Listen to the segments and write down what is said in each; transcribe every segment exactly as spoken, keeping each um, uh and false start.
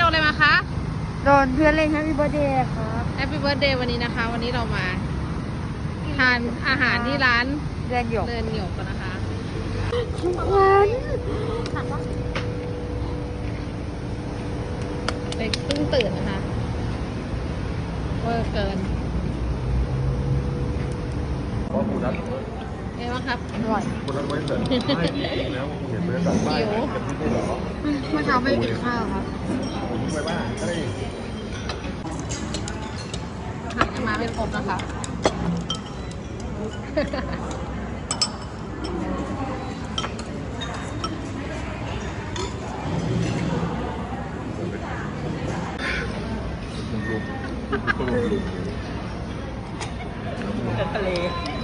โดนอะไรมาคะโดนเพื่อนเล่น Happy Birthday ครับ Happy Birthday วันนี้นะคะ วันนี้เรามาทานอาหารที่ร้านเรือนหยกเรือนหยกกันนะคะทุกวันเด็กเพิ่งตื่นนะคะเวอร์เกินเอ๊ะว่าครับอร่อยคนละไว้เสร็จไม่แล้วเห็นบรรยากาศบ้านกันที่นี่เหรอเมื่อเช้าไม่กินข้าวครับผมไปบ้านเฮ้ยหักกันมาเป็นครบนะคะทะเล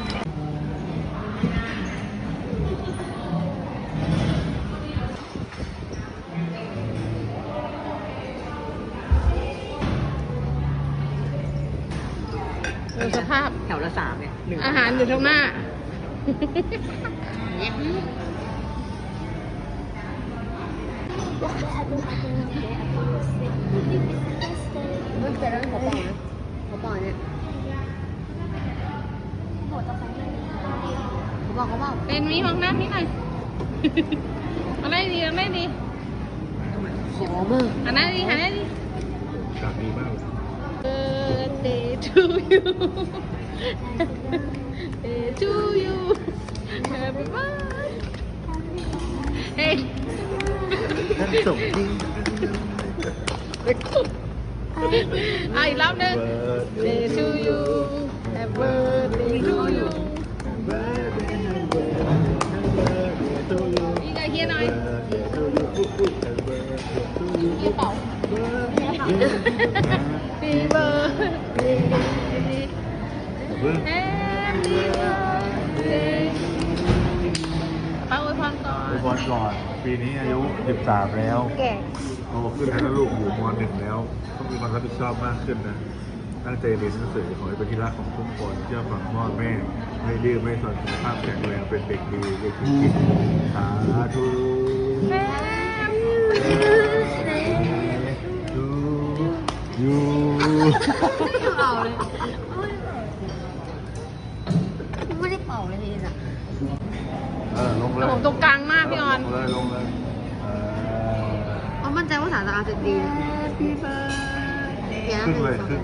ดูสภาพแถวละสามเนี่ยอาหารอยู่ตรงหน้ามันเกิดอะไรกับปอนะกับปอเนี่ยเขาบอกเขาบอกเป็นมีมองหน้านิดหน่อยเอาได้ดีเอาได้ดีขอมากอันนั้นดีอันนั้นดีกาดดีมาก Birthday to you Birthday to you Happy birthday เฮ้ยท่านส่งจริงอ่ะอีกรอบหนึ่ง Birthday to you Happy birthday to you อีกไอเฮียหน่อยเฮียเป่าปีเบอร์แฮปปี้เบิร์ดเดย์ป้าอวยพรก่อนอวยพรก่อนปีนี้อายุสิบสามแล้วแก่โตขึ้นแล้วลูกอยู่มหนึ่งแล้วต้องมีความรับผิดชอบมากขึ้นนะตั้งใจเรียนหนังสือขอให้เป็นที่รักของทุกคนเชื่อฟังพ่อแม่ไม่ดื้อไม่สนสุขภาพแข็งแรงเป็นเด็กดีเด็กคิดสาธุยูเป่าเลยไม่ได้เป่าเลยนี่นะเออลงเลยผมตรงกลางมากพี่ออนลงเลยลงเลยเพราะมั่นใจว่าสารสะอาดจะดีพี่เฟิร์นขึ้นเลยขึ้น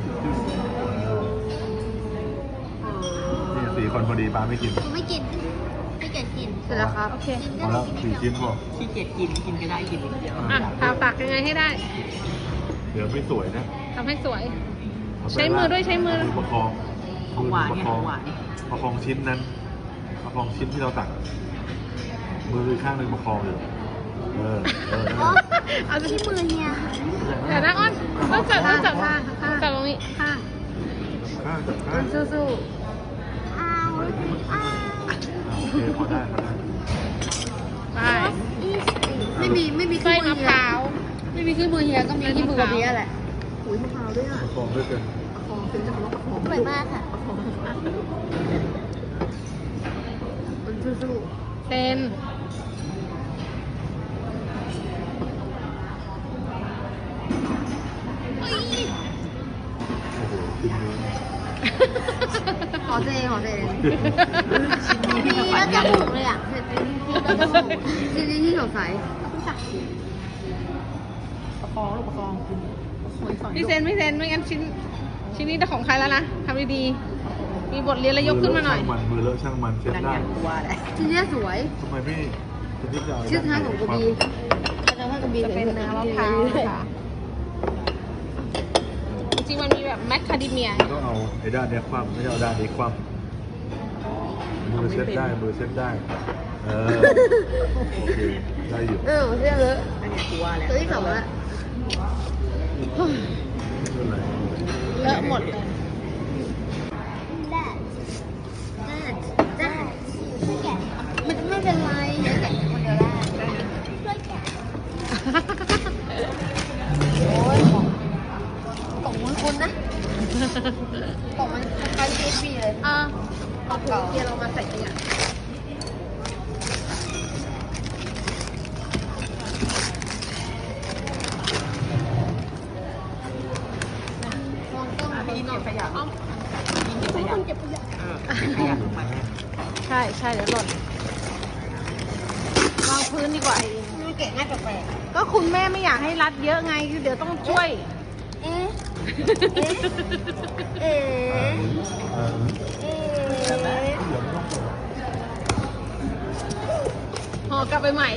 นี่สี่คนพอดีป้าไม่กินไม่กินไม่เกียจกินเสร็จแล้วครับโอเคพอแล้วสี่ชิ้นพอขี้เกียจกินกินก็ได้กินนิดเดียวอ่ะทาปากยังไงให้ได้เดี๋ยวไม่สวยนะทำให้สวยใช้มือด้วยใช้มือประคองของหวานเนี่ยของหวานประคองชิ้นนั้นประคองชิ้นที่เราตักมือข้างหนึ่งประคองอยู่เออเออเอาที่มือเนี่ยเดี๋ยวนะอ้อนต้องจับต้องจับข้างจับตรงนี้ข้างข้างจับข้างสู้ๆอ้าวอ้าวโอเคพอได้พอได้ไปไม่มีไม่มีไส้มะพร้าวไม่มีขี้มือเฮียก็มีขี้มือกับเฮียแหละอุ้ยมะพร้าวด้วยอ่ะประคองด้วยกันประคองเป็นจะคำว่าประคองสวยมากค่ะประคองมันสู้ๆเป็นขอเจขอเจชิ้นนี้ที่แบบจมูกเลยอ่ะเสร็จชิ้นนี้ที่สดใสประคองลูกประคองพี่เซนพี่เซนไม่งั้นชิ้นชิ้นนี้จะของใครแล้วนะทำดีๆมีบทเรียนแล้วยกขึ้นมาหน่อยมันมือเลอะช่างมันเช็ดได้ชิ้นนี้สวยทำไมไม่ชิ้นท้ายของกระบี่จะให้กระบี่เป็นเนื้อมะพร้าวนะคะจริงๆมันมีแบบแมคคาเดเมียก็เอาไอ้ด้านนี้คว่ำไม่เอาด้านนี้คว่ำมือเช็ดได้มือเช็ดได้เออโอเคได้อยู่เออเช็ดเลยอันนี้ตัวแล้วตัวที่สองแล้วเลอะหมดเลยมันไม่เป็นไรแกะคนเดียวได้ช่วยแกะโอ้ยของของมือคุณนะของมันคล้ายๆเอฟบีเลยอ่าของเก่าเกียร์เรามาใส่เนี่ยช่ใช่เดี๋ยวหล่นวางพื้นดีกว่ามันเก่งง่ายแปลกก็คุณแม่ไม่อยากให้รัดเยอะไงคือเดี๋ยวต้องช่วยๆเอ๊ะเอ๊ะเอ๊ะเออเอ๊ะห่อกลับไปใหม่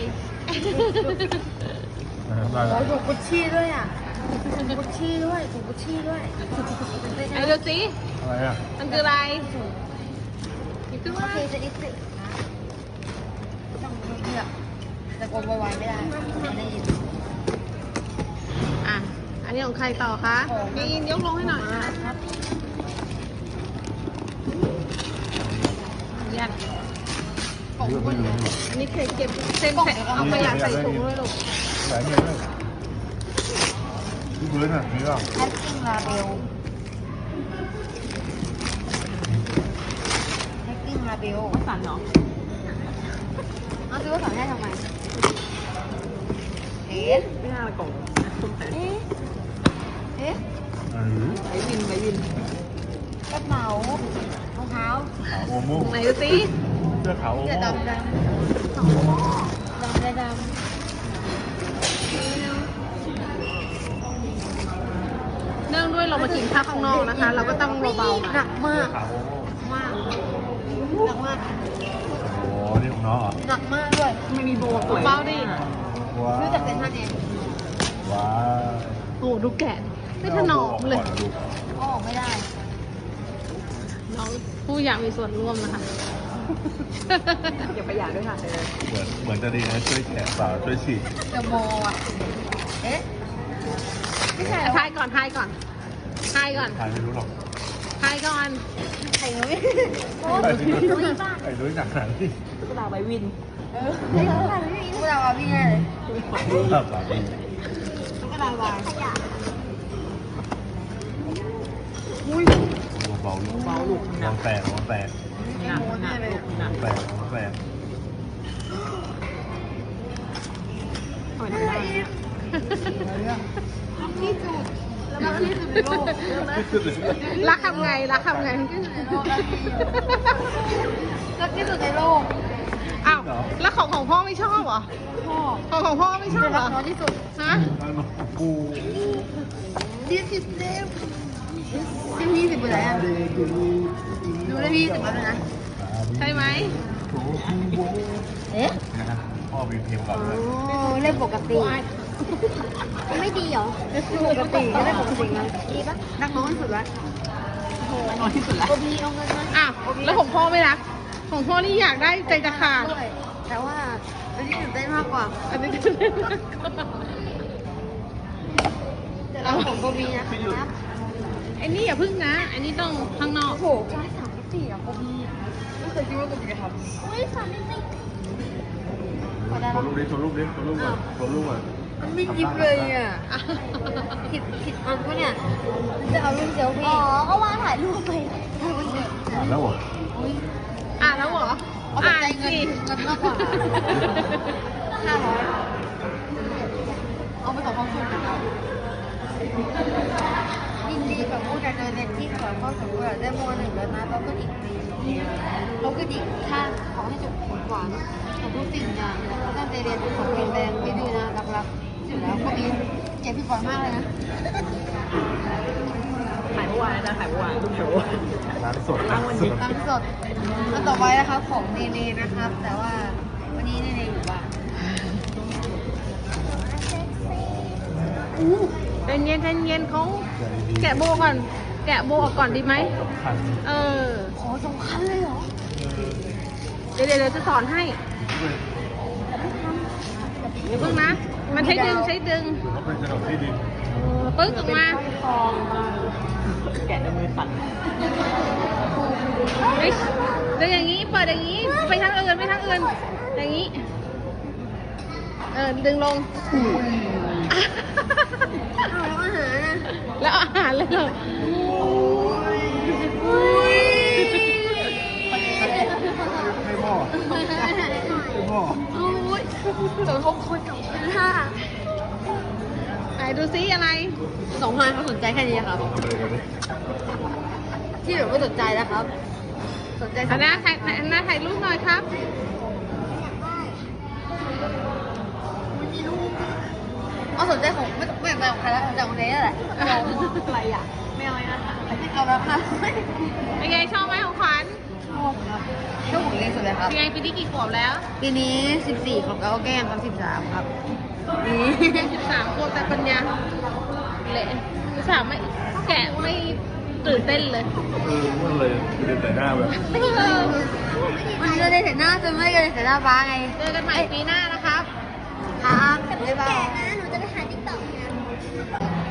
ได้โอ้แล้วยถุงกุชชี่ด้วยอ่ะถุงกุชชี่ด้วยถุงกุชชี่ด้วยไหนดูสิอะไรอ่ะมันคืออะไรหยิบขึ้นโอมาเคจะได้สิต้องเงียบแต่กดไวๆไม่ได้ไม่ได้ยินอ่ะ อันนี้ของใครต่อคะมีอินยกลงให้หน่อยนะครับ ยัดเรื่องไม่รู้หรอกอันนี้เคยเก็บเส้นใส่เอาขยะใส่ถุงด้วยลูกหลายเงี้ยเลยที่พื้นอ่ะมีเปล่าแพทติ้งลาเบลแพทติ้งลาเบลสั่นเนาะเอาซื้อว่าสอนให้ทำไมเอ๊ะไม่น่าละกล่องเอ๊ะเอ๊ะอันนี้ไปวินไปวินกระเป๋ารองเท้าขาวโอโม่ไหนดูสิเสื้อขาวโอเสื้อโม่ดำดำดำดำดำเนื่องด้วยเรามากินข้าวข้างนอกนะคะ เราก็ต้องเบาๆหหน่นัอยกมากขาวโอโม่มากหนักมากโอ้โหนี่ของน้องเหรอหนักมากด้วยไม่มีโบสวยเบาดิว้าซื้อจากเซ็นทรัลเองว้าโอ้ดูแกะไม่ถนอมเลยลูกก็ออกไม่ได้น้องผู้อยากมีส่วนร่วมนะคะ อย่าประหยัดด้วยค่ะเหมือนเหมือนจะดีนะช่วยแขนสาวช่วยฉีดจะโมอ่ะเอ๊ะไม่ใช่ทายก่อนทายก่อนทายก่อนใครไม่รู้หรอกทายก่อนใครไม่โอ้ใครยไม่รู้ไม่บ้าใครรู้หนักขนาดนี้กระดาษใบวินเออไม่บ้าไม่รู้เราเอาพี่แน่เลยครับสามีกระดาษวายขยะเบาๆลูกเบาลูกมองแตกมองแตกไม่โม้แน่เลยมองแตกมองแตกหอยทำได้เนี่ยที่สุดแล้วก็ที่สุดในโลกรักทำไงรักทำไงรักที่สุดในโลกอ้าวแล้วของของพ่อไม่ชอบเหรอพ่อของของพ่อไม่ชอบเหรรัอกน้องที่สุดฮะกูที่สิบเต็มที่พี่สิบไปไหนอ่ะดูได้พี่สิบแล้วนะใช่ไหมเอ๊ะนะครับพ่อมีเพลงก่อนเลยโอ้เล่นปกติไม่ดีเหรอปกติก็เล่นปกตินะดีปะนักน้องที่สุดละน้อยที่สุดละโอบีเอาเงินมาอ้าวแล้วของพ่อไม่รัก ของพ่อนี่อยากได้ใจจะขาดด้วยแต่ว่าอันนี้ตื่นเต้นมากกว่าอันนี้แต่เราของโอบีนะครับไอ้นี่อย่าพึ่งนะ อันนี้ต้องข้างนอกโอ้โหใช่สามมิติอ่ะโอบีไม่เคยคิดว่าโอบีจะทำอุ้ยสามมิติขอได้โชปะว์รูปดิโชว์รูปดิโชว์รูปก่อนโชว์รูปก่อนมันไม่ยิบเลยอ่ะ ผิดผิดอันปะเนี่ย จะเอารูปเซลฟี่อ๋อ ก็วางถ่ายรูปไปถ่ายรูปเฉยอ่านแล้วเหรออ่านแล้วเหรอเอาแต่อ่านใจเงินสิเงินมากกว่าห้าร้อยเอาไปต่อความสุขนะครับยินดีกับผู้ดำเนินเรียนที่สอนข้อสมบูรณ์ได้มหนึ่งแล้วนะเราก็อีกปีเราก็อีกถ้าขอให้จบผลหวานของทุกสิ่งอย่างตั้งใจเรียนขอเรียนแรงไม่ดื้อนะรักๆอยู่แล้วก็มีเจ็บพี่ก่อนมากเลยนะถ่ายเมื่อวานนะถ่ายเมื่อวานทุกโชว์ร้านสดร้านสดตั้งสดแล้วต่อไปนะครับของเนเน่นะครับ แต่ว่าวันนี้เนเน่อยู่บ้านใจเย็นใจเย็นเขาแกะโบก่อน แกะโบออกก่อนดีไหมสำคัญเออขอสำคัญเลยเหรอเดี๋ยวเดี๋ยวเดี๋ยวจะสอนให้เดี๋ยวเพิ่งนะ มันใช้ดึงใช้ดึงเขาเป็นขนมที่ดินปึ๊กออกมาแกะด้วยมือสั่นเฮ้ยเดี๋ยวอย่างนี้ เปิดอย่างนี้ ไปทางอื่นไปทางอื่น อย่างนี้ เออ ดึงลงเอาแล้วอาหารนะแล้วอาหารเลยเหรอให้พ่อให้พ่อโอ้ยสองคนคนสองพันห้าไหนดูซิอะไรสองพันเขาสนใจแค่นี้ครับเอาไปเลยกันดิที่เหลือไม่สนใจแล้วครับสนใจอันน่าถ่ายอันน่าถ่ายรูปหน่อยครับเอาสนใจของไม่ไม่ไม่ของใครแล้วสนใจของเนสแหละอะไรอ่ะไม่เอาไอ้นั่นอ่ะไม่เอาแล้วค่ะเป็นไงชอบไหมของขวัญชอบครับชอบของเนสสุดเลยครับเป็นไงปีนี้กี่ขวบแล้วปีนี้สิบสี่ของเก้าแก้มครับสิบสามครับนี่สิบสามขวบแต่ปัญญาเละสิบสามไม่แกะไม่ตื่นเต้นเลยเออมันเลยเดินแต่หน้าแบบมันจะได้เห็นหน้าจนไม่ได้เห็นหน้าฟ้าไงเจอกันใหม่ปีหน้านะครับครับบ๊ายบายหนูจะไปหาติ๊กต็อกนะ